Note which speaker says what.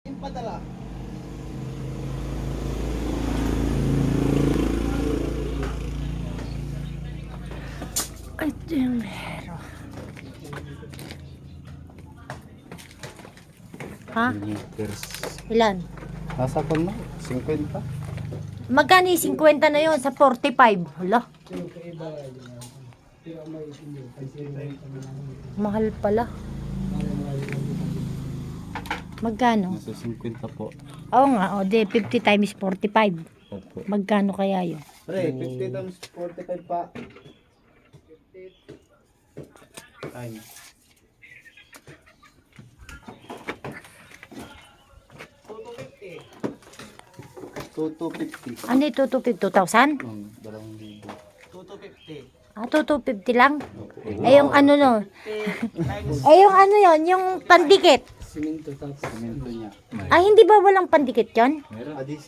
Speaker 1: Padala.
Speaker 2: Ito yung meron. Ha?
Speaker 3: Liters.
Speaker 2: Ilan?
Speaker 3: Nasa pa mo? 50?
Speaker 2: Magkano yung 50 na yun sa 45? Hala, mahal pala. Magkano?
Speaker 3: Nasa 50 po.
Speaker 2: Oo nga, o de 50 times 45.
Speaker 3: Opo.
Speaker 2: Magkano kaya yun?
Speaker 3: Pre, 50 times 45 pa. Ay. 250.
Speaker 2: Ano ito, 2,000?
Speaker 3: 2,000.
Speaker 1: 250.
Speaker 2: Ah, 250 lang?
Speaker 3: Opo.
Speaker 2: Eh, yung ano no? Eh, yung ano yon, yung pandikit.
Speaker 1: Siminto tapos.
Speaker 3: Semento niya.
Speaker 2: Ay, hindi ba walang pandikit yon?
Speaker 3: Meron.